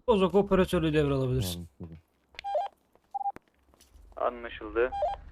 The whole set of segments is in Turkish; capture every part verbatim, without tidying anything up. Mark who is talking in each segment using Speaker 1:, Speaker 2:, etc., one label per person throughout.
Speaker 1: Bozok operatörlüğü devralabilirsin.
Speaker 2: Anlaşıldı.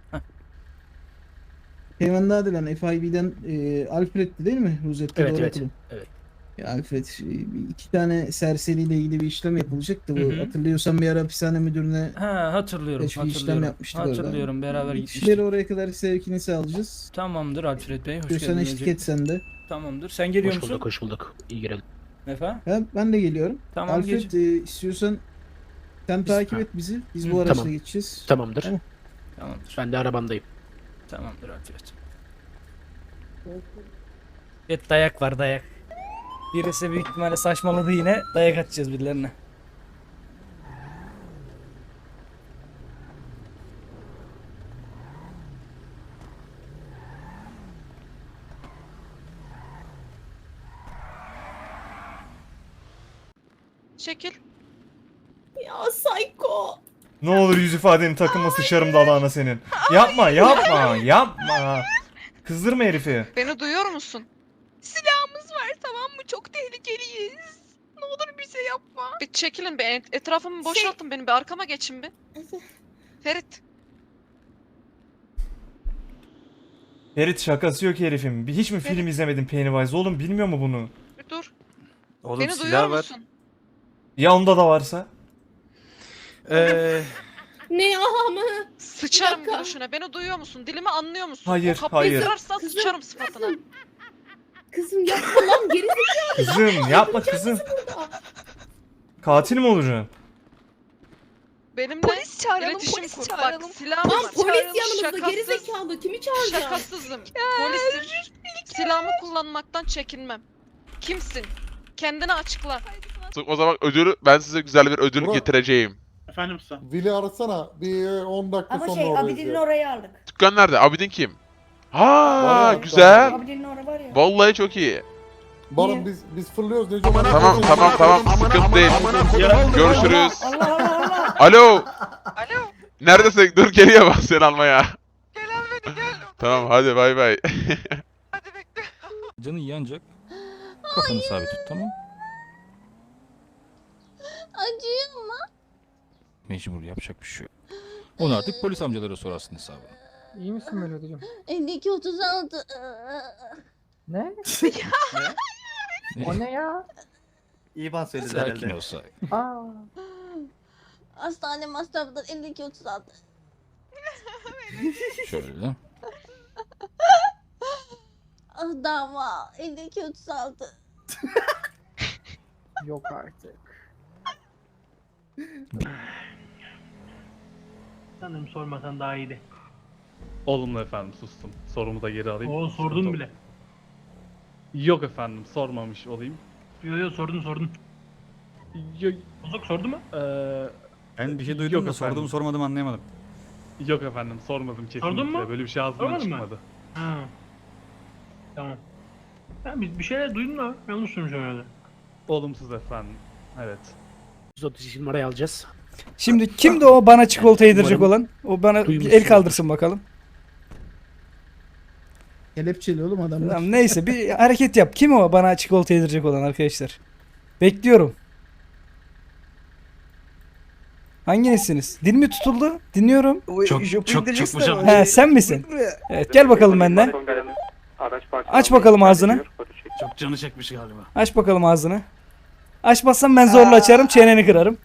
Speaker 3: Teğmen Nadilen F I B'den e, Alfred'ti değil mi? Rosetta
Speaker 1: Evet
Speaker 3: doğru
Speaker 1: evet.
Speaker 3: hatırlıyorum.
Speaker 1: Evet.
Speaker 3: Ya Alfred, e, bir iki tane serseriyle ilgili bir işlem yapılacaktı.
Speaker 1: Hı
Speaker 3: Bu
Speaker 1: hı.
Speaker 3: hatırlıyorsan bir ara hapishane müdürüne
Speaker 1: Ha hatırlıyorum
Speaker 3: teşvik işlem
Speaker 1: hatırlıyorum.
Speaker 3: yapmıştık orada.
Speaker 1: Hatırlıyorum beraber
Speaker 3: Bir
Speaker 1: gitmiştik.
Speaker 3: kişileri oraya kadar sevkini sağlayacağız.
Speaker 1: Tamamdır Alfred Bey hoş
Speaker 3: Diyorsan
Speaker 1: geldiniz.
Speaker 3: eşlik
Speaker 1: öncelikle.
Speaker 3: et sen de.
Speaker 1: Tamamdır. Sen geliyor
Speaker 4: Hoş
Speaker 1: musun?
Speaker 4: bulduk, hoş bulduk. İyi girelim.
Speaker 1: Efendim?
Speaker 3: Ha, ben de geliyorum.
Speaker 1: Tamam,
Speaker 3: Alfred
Speaker 1: geç.
Speaker 3: e, istiyorsan sen
Speaker 1: Biz-
Speaker 3: takip
Speaker 1: ha.
Speaker 3: et bizi. Biz
Speaker 1: Hı,
Speaker 3: bu araçla
Speaker 4: tamam.
Speaker 3: geçeceğiz.
Speaker 4: Tamamdır.
Speaker 3: Tamam.
Speaker 1: Tamamdır.
Speaker 4: Ben de arabamdayım.
Speaker 1: Tamamdır Alfred. Evet dayak var dayak. Birisi büyük ihtimalle saçmaladı yine. Dayak atacağız birilerine.
Speaker 5: Çekil.
Speaker 6: Ya Psycho.
Speaker 7: Ne olur yüz ifadeni takılma sıçarım dalağına senin. Yapma yapma yapma. Kızdırma herifi.
Speaker 5: Beni duyuyor musun? Silahımız var tamam mı? Çok tehlikeliyiz. Ne olur bize yapma. Bir çekilin be. et- Etrafımı boşaltın benim. Bir arkama geçin bir. Ferit.
Speaker 7: Ferit şakası yok herifim. Bir hiç mi film izlemedin Pennywise oğlum bilmiyor mu bunu?
Speaker 5: Bir dur.
Speaker 2: Oğlum
Speaker 5: Beni duyuyor
Speaker 2: silah var.
Speaker 5: musun?
Speaker 7: Ya onda da varsa?
Speaker 2: Eee
Speaker 6: Ne ya ama?
Speaker 5: Sıçarım
Speaker 6: dakika.
Speaker 5: gülüşüne. Beni duyuyor musun? Dilimi anlıyor musun?
Speaker 7: Hayır,
Speaker 5: O kapıyı
Speaker 7: hayır.
Speaker 5: kırarsan
Speaker 6: Kızım.
Speaker 5: sıçarım sıfatına.
Speaker 6: Kızım yapma lan geri zekalı.
Speaker 7: Kızım yapma kızım. Katil mi olacaksın?
Speaker 5: Benimle
Speaker 8: Polis çağıralım,
Speaker 5: iletişim
Speaker 8: polis
Speaker 5: kur.
Speaker 8: çağıralım.
Speaker 5: Bak silahım
Speaker 6: Lan
Speaker 5: var.
Speaker 6: polis yanımızda
Speaker 5: Şakasız.
Speaker 6: geri zekalı. Kimi çağıracağım?
Speaker 5: Şakasızım. Polisim. Silahımı kullanmaktan çekinmem. Kimsin? Kendini açıkla.
Speaker 9: O zaman ödülü ben size güzel bir ödül
Speaker 10: Murat.
Speaker 9: getireceğim.
Speaker 4: Efendim usta.
Speaker 10: Vili arasana. Bir on dakika
Speaker 8: Ama
Speaker 10: sonra
Speaker 8: şey
Speaker 10: oradayız
Speaker 8: Abidin'in
Speaker 10: ya.
Speaker 8: orayı aldık.
Speaker 9: Dükkan nerede? Abidin kim? Ha
Speaker 10: Var ya,
Speaker 9: güzel.
Speaker 8: Abidin'in orası var ya.
Speaker 9: Vallahi çok iyi.
Speaker 10: Baran biz biz fırlıyoruz Neco. bana
Speaker 9: Tamam
Speaker 10: bakıyorsun.
Speaker 9: tamam tamam sıkıntı değil. Görüşürüz.
Speaker 8: Allah Allah Allah.
Speaker 9: Alo.
Speaker 5: Alo.
Speaker 9: Neredesin? Dur geliyor bak seni almaya.
Speaker 5: Gel al beni gel.
Speaker 9: Tamam hadi bay bay.
Speaker 5: Hadi bekle.
Speaker 11: Canın iyi ancak kafanı sabit tut tamam.
Speaker 6: Acıyor mu?
Speaker 11: Mecbur yapacak bir şey yok. Onu artık polis amcalara sorarsın hesabını.
Speaker 3: İyi misin Melodi'cim?
Speaker 6: elli iki otuz altı.
Speaker 3: Ne?
Speaker 11: O
Speaker 3: ne ya?
Speaker 2: İban söyledi
Speaker 11: Sakin ol sakin.
Speaker 3: Aa.
Speaker 6: Hastane masrafları elli iki otuz altı.
Speaker 11: Şöyle.
Speaker 6: Ah dava elli iki otuz altı.
Speaker 3: Yok artık.
Speaker 4: Sanırım sormasan daha iyiydi.
Speaker 12: Olumlu efendim sustum. Sorumu da geri alayım.
Speaker 4: Oo sordun
Speaker 12: Sıkıntı
Speaker 4: bile.
Speaker 12: Yok efendim sormamış olayım.
Speaker 4: Yo yo sordun sordun.
Speaker 12: Yo,
Speaker 4: Bozok sordu mu?
Speaker 12: eee,
Speaker 11: Ben bir şey
Speaker 12: Yok
Speaker 11: duydum da
Speaker 12: efendim.
Speaker 11: sordum sormadım anlayamadım.
Speaker 12: yok efendim sormadım kesinlikle.
Speaker 4: Sordun mu?
Speaker 12: Böyle bir şey ağzımdan
Speaker 4: Sormadın mı?
Speaker 12: çıkmadı.
Speaker 4: Ha. Tamam. Ben bir, bir şeyler duydum da yanlış duymuşum herhalde.
Speaker 12: Olumsuz efendim. Evet.
Speaker 4: yüz otuz iki numarayı alacağız.
Speaker 1: Şimdi kimdi o bana çikolata yedirecek
Speaker 4: Umarım
Speaker 1: olan? O bana bir el
Speaker 4: duymuşsunuzdur.
Speaker 1: kaldırsın bakalım.
Speaker 3: Kelepçeli oğlum adamlar.
Speaker 1: Tamam, neyse bir hareket yap. Kim o bana çikolata yedirecek olan arkadaşlar? Bekliyorum. Hanginizsiniz? Dil mi tutuldu? Dinliyorum.
Speaker 4: Çok çok çıkmışım.
Speaker 1: He sen misin? Evet gel bakalım benden.
Speaker 2: Araç
Speaker 1: Aç bakalım ağzını.
Speaker 4: Çok canı çekmiş galiba.
Speaker 1: Aç bakalım ağzını. Açmazsan ben zorla açarım, çeneni kırarım.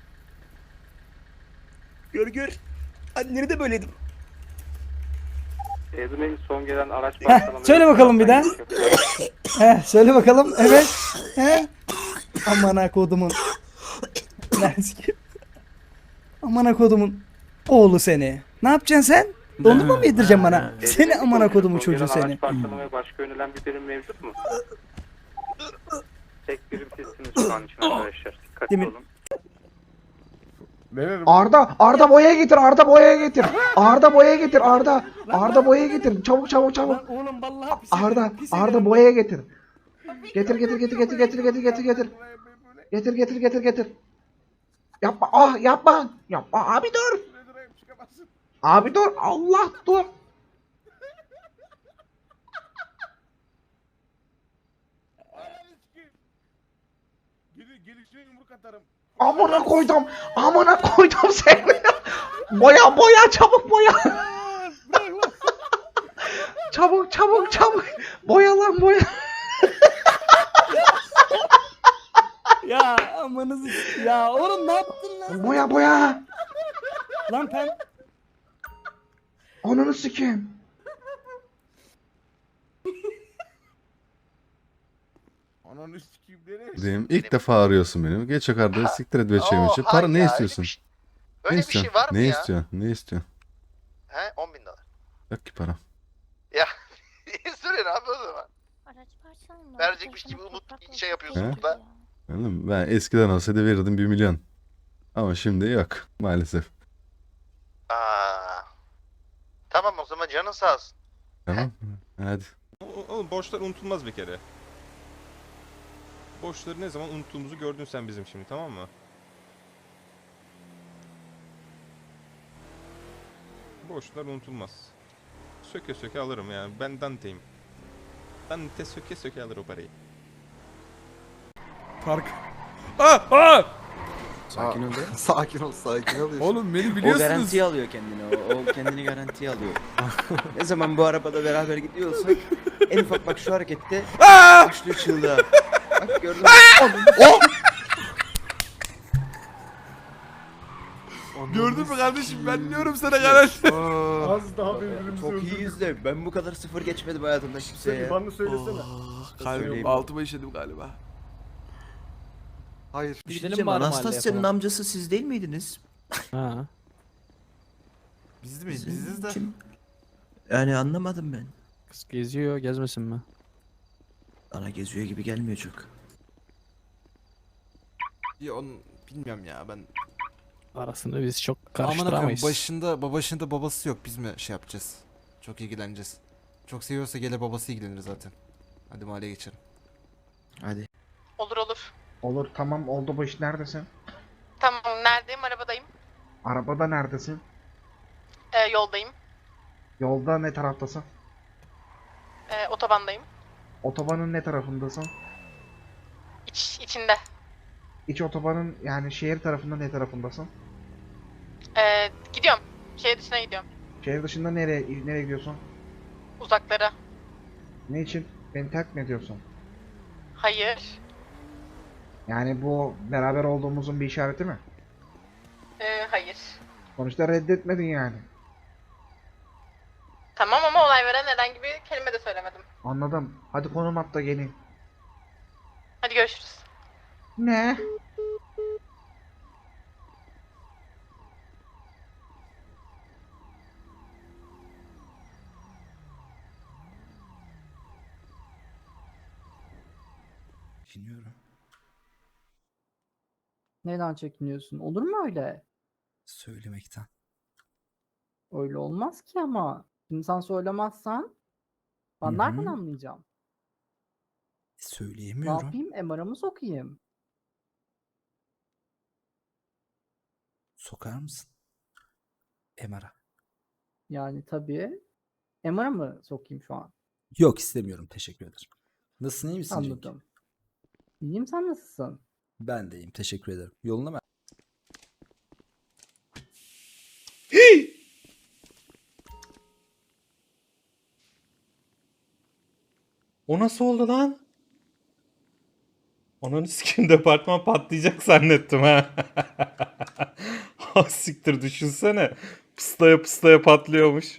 Speaker 2: Gör gör. Anneni de böyleydim. Ezme'nin son gelen araç
Speaker 1: Heh, söyle bakalım bir daha. He, söyle bakalım. Evet. He. Aman ha kodumun. Nerede? Aman ha kodumun oğlu seni. Ne yapacaksın sen? Dondurma mı yedireceksin bana? Seni aman ha kodumun çocuğu seni.
Speaker 2: Araç parçalamaya başka yönelen bir birim mevcut mu? Tek birim sizsiniz şu an için arkadaşlar. Dikkatli
Speaker 1: Demin-
Speaker 2: olun.
Speaker 10: Arda, Arda boya getir, Arda boya getir. Arda boya getir, Arda. Arda boya getir. Çabuk çabuk çabuk.
Speaker 1: Oğlum vallahi pis
Speaker 10: Arda,
Speaker 1: ederim, pis
Speaker 10: Arda
Speaker 1: ederim.
Speaker 10: boya getir. Getir getir getir getir getir getir getir getir. Getir getir getir getir. Yapma, ah yapma. Yapma abi dur. Abi dur. Allah dur.
Speaker 7: Gelir gelir.
Speaker 10: Amına koydum. Amına koydum seni. Boya boya çabuk boya. Çabuk çabuk çabuk. Boya lan boya.
Speaker 1: Ya amanızı ya oğlum ne yaptın lan?
Speaker 10: Boya boya.
Speaker 1: Lan pen
Speaker 10: Ananı sikeyim.
Speaker 8: Diyeyim, ilk defa arıyorsun beni. Geç yukarıda siktir et veçeyim için. Para ne istiyorsun? Ne istiyorsun? Ne istiyorsun? Ne istiyorsun?
Speaker 2: He on bin dolar.
Speaker 8: Yok ki para.
Speaker 2: Ya soruyor abi o zaman.
Speaker 6: Araç parçalandı.
Speaker 2: Verecekmiş gibi umut şey yapıyorsun
Speaker 8: He?
Speaker 2: burada.
Speaker 8: Anladın mı? Ben eskiden olsaydı verirdim bir milyon. Ama şimdi yok maalesef.
Speaker 2: Aa. Tamam o zaman canın sağ olsun.
Speaker 8: Tamam mı? Hadi.
Speaker 7: Oğlum borçlar unutulmaz bir kere. Borçları ne zaman unuttuğumuzu gördün sen bizim şimdi, tamam mı? Borçlar unutulmaz. Söke söke alırım yani. Ben Dante'yim. Dante söke söke alır o parayı.
Speaker 11: Park. Aa! Aa!
Speaker 3: Sakin ol de.
Speaker 10: Sakin ol sakin ol.
Speaker 11: Oğlum beni
Speaker 3: O
Speaker 11: biliyorsunuz.
Speaker 3: garantiye alıyor kendini. O, o kendini garantiye alıyor. Ne zaman bu arabada beraber gidiyorsak en ufak bak şu harekette başlıyor çığlığa. Bak gördün mü? Oh!
Speaker 11: Gördün mü kardeşim, ben diyorum sana garanti.
Speaker 12: Az daha birbirimizi
Speaker 3: Çok iyiyiz de ben bu kadar sıfır geçmedim hayatımda kimseye ya.
Speaker 12: Bana söylesene.
Speaker 11: Kalbim altıma işedim galiba.
Speaker 10: Hayır.
Speaker 3: Bir şey diyeceğim, Anastasya'nın amcası siz değil miydiniz?
Speaker 11: Ha.
Speaker 10: Biz miyiz? Biziz de.
Speaker 3: Kim? Yani anlamadım ben.
Speaker 11: Kız geziyor, gezmesin mi?
Speaker 3: Bana geziyor gibi gelmiyor çok.
Speaker 10: Ya onu bilmiyorum ya ben.
Speaker 11: Arasını biz çok
Speaker 10: Aman akım
Speaker 11: karıştıramayız.
Speaker 10: başında babasında babası yok. Biz mi şey yapacağız? Çok ilgileneceğiz. Çok seviyorsa gelir babası ilgilenir zaten. Hadi mahalleye geçelim.
Speaker 3: Hadi.
Speaker 5: Olur olur.
Speaker 10: Olur tamam oldu bu iş neredesin?
Speaker 5: Tamam neredeyim? Arabadayım.
Speaker 10: Arabada neredesin?
Speaker 5: Ee, yoldayım.
Speaker 10: Yolda ne taraftasın?
Speaker 5: Ee, otobandayım.
Speaker 10: Otobanın ne tarafındasın?
Speaker 5: İç, içinde.
Speaker 10: İç otobanın yani şehir tarafında ne tarafındasın?
Speaker 5: Ee, gidiyorum. Şehir dışına gidiyorum.
Speaker 10: Şehir dışında nereye nereye gidiyorsun?
Speaker 5: Uzaklara.
Speaker 10: Ne için? Beni terk mi ediyorsun?
Speaker 5: Hayır.
Speaker 10: Yani bu beraber olduğumuzun bir işareti mi?
Speaker 5: Ee, hayır.
Speaker 10: Sonuçta reddetmedin yani.
Speaker 5: Tamam ama olay veren herhangi bir kelime de söylemedim.
Speaker 10: Anladım. Hadi konum at da geleyim.
Speaker 5: Hadi görüşürüz.
Speaker 10: Ne?
Speaker 3: Düşünüyorum.
Speaker 1: neden çekiniyorsun? Olur mu öyle?
Speaker 3: Söylemekten.
Speaker 1: Öyle olmaz ki ama. Şimdi sen söylemezsen ben
Speaker 3: Hı hı.
Speaker 1: nereden anlayacağım? Ne
Speaker 3: Söyleyemiyorum.
Speaker 1: yapayım? M R'a mı sokayım?
Speaker 3: Sokar mısın? M R'a.
Speaker 1: Yani tabii. M R'a mı sokayım şu an?
Speaker 3: Yok istemiyorum, teşekkür ederim. Nasılsın, iyi misin Cenk?
Speaker 1: Anladım. İyiyim, sen nasılsın?
Speaker 3: Ben de iyiyim, teşekkür ederim. Yoluna mı?
Speaker 7: O nasıl oldu lan? Onun sikim departman patlayacak zannettim ha. Ha siktir, düşünsene. Pıslaya pıslaya patlıyormuş.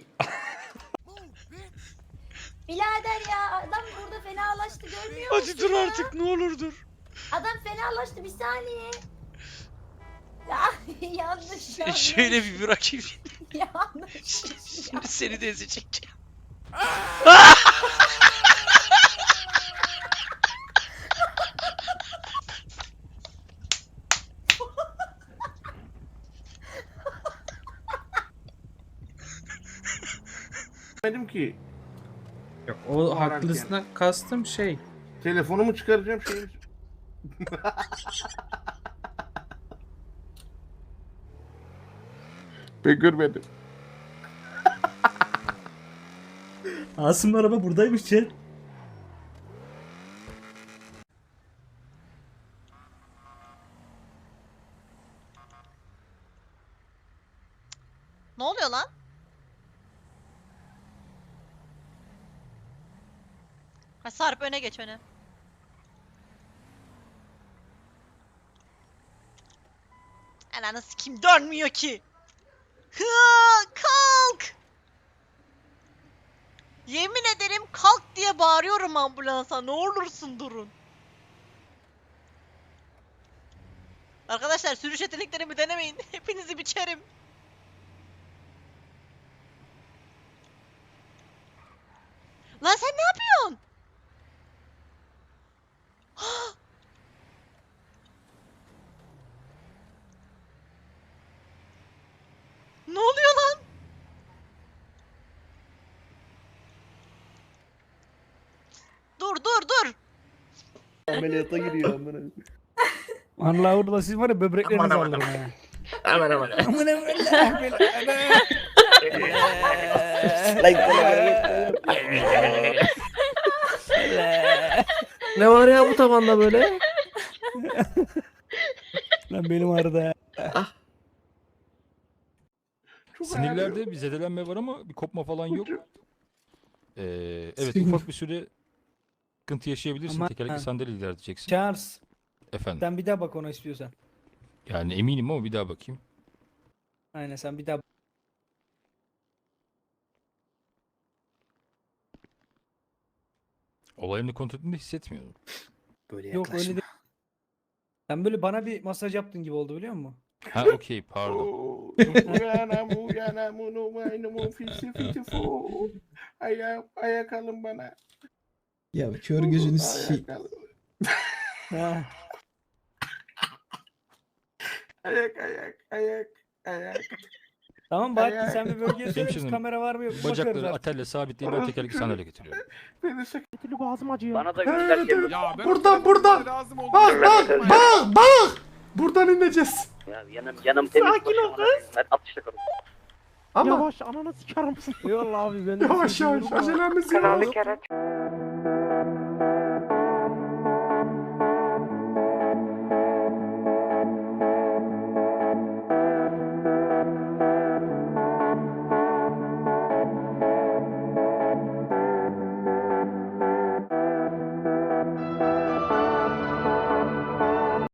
Speaker 6: Birader ya adam burada fenalaştı görmüyor musun? Hadi dur artık ne olur dur. Adam fenalaştı bir saniye. Ya yanlış yanlış.
Speaker 2: Şöyle bir bırakayım.
Speaker 6: Yanlış.
Speaker 2: Şimdi seni de ezecek.
Speaker 12: Dedim ki
Speaker 3: Yok, o haklısına kastım şey.
Speaker 12: telefonumu çıkaracağım şeyim. Ben görmedim.
Speaker 3: Asım'ın araba buradaymış Cem.
Speaker 6: Ne oluyor lan? Ha, Sarp öne geç öne. Ananı sikim dönmüyor ki. Hı, kalk. Yemin ederim kalk diye bağırıyorum ambulansa. Ne olursun durun. Arkadaşlar sürüş yeteneklerimi denemeyin. Hepinizi biçerim. Lan sen ne yapıyorsun? Ne oluyor lan? Dur dur dur.
Speaker 10: Ameliyata giriyor amına.
Speaker 1: Allah orada siz var ya böbreklerinizi alırım ha.
Speaker 10: Aman aman.
Speaker 1: Aman aman.
Speaker 10: Ne var ya bu tavanda böyle?
Speaker 1: Lan benim arada.
Speaker 11: Sinirlerde bir zedelenme var ama bir kopma falan yok. Ee, evet ufak bir süre sıkıntı yaşayabilirsin.
Speaker 1: Ama-
Speaker 11: Tekerlekli sandalye ilerleyeceksin.
Speaker 1: Charles
Speaker 11: Efendim.
Speaker 1: sen bir daha bak ona istiyorsan.
Speaker 11: Yani eminim ama bir daha bakayım.
Speaker 1: Aynen sen bir daha
Speaker 11: Olayını kontrol ettiğimde hissetmiyorum.
Speaker 10: Böyle
Speaker 1: Yok öyle değil. Sen böyle bana bir masaj yaptın gibi oldu biliyor musun?
Speaker 11: Ha okey pardon.
Speaker 10: Uyanam uyanam unumaynumu fisi fisi fu. Ayak ayak alın bana.
Speaker 1: Ya kör gözünü
Speaker 10: Ayak alın.
Speaker 1: Ha.
Speaker 10: Ayak ayak ayak ayak.
Speaker 1: Tamam Bahattin sen bir bölgeye söyle biz
Speaker 11: Hemşirim,
Speaker 1: kamera var mı yok mu bakarız
Speaker 11: Bacakları
Speaker 1: artık.
Speaker 11: atelle sabitleyip ben tekerlekli sandalye getiriyorum.
Speaker 10: Beni sakatlı boğazım acıyor.
Speaker 2: Bana da
Speaker 10: Evet, evet.
Speaker 9: Ya ben
Speaker 10: Buradan buradan. Bak bak bak bak. Buradan ineceğiz.
Speaker 2: Ya yanım yanım temiz.
Speaker 10: Sakin ol kız.
Speaker 2: Ben atışla kalın.
Speaker 10: Ama yavaş ananı sikerim. Yavaş abi ben Yavaş yavaş acelemiz yok.